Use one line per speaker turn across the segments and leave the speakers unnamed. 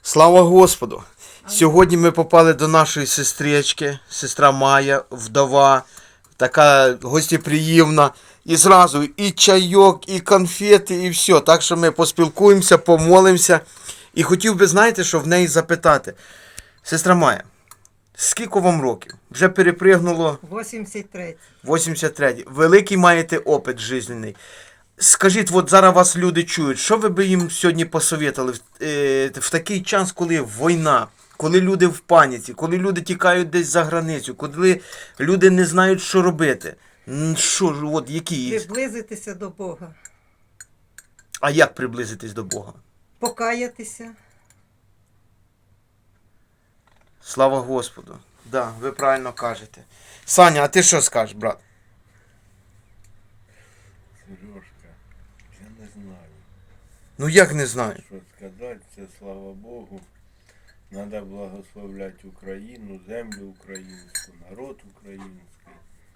Слава Господу! Сьогодні ми попали до нашої сестрички, сестра Майя, вдова, така гостєприємна. І зразу і чайок, і конфети, і все. Так що ми поспілкуємося, помолимося. І хотів би, знаєте, що в неї запитати. Сестра Майя, скільки вам років? Вже перепригнуло
83.
83. Великий маєте опит жизненний. Скажіть, от зараз вас люди чують, що ви би їм сьогодні посоветували в такий час, коли війна, коли люди в паніці, коли люди тікають десь за границю, коли люди не знають, що робити? Що ж, от які?
Приблизитися до Бога.
А як приблизитись до Бога?
Покаятися.
Слава Господу. Да, ви правильно кажете. Саня, а ти що скажеш, брат?
Сережка, я не знаю,
Ну як не знаю?
що сказати, це слава Богу. Треба благословляти Україну, землю українську, народ український.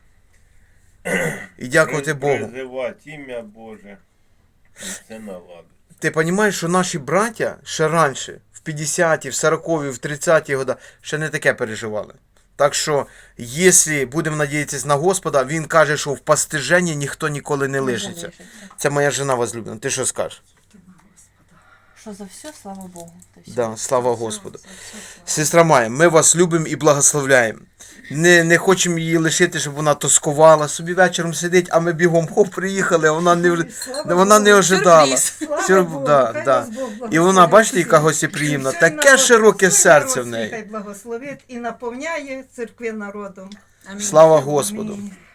І дякувати Богу.
Призивати ім'я Боже. І все наладить.
Ти розумієш, що наші браття ще раніше, в 50-ті, в 40-ті, в 30-ті роки, ще не таке переживали. Так що, якщо будемо надіятися на Господа, він каже, що в постиженні ніхто ніколи не лишиться. Це моя жена возлюблена. Ти що скажеш?
Що за все, слава Богу.
Да, слава Господу. Сестра Майя, ми вас любимо і благословляємо. Не хочемо її лишити, щоб вона тоскувала. Собі вечором сидить, а ми бігом хоп, приїхали, а вона не ожидала. І вона, бачите, яка гостєприємна. Таке широке серце в неї.
Хай благословить і наповняє церкви народом.
Слава Господу.
Амінь.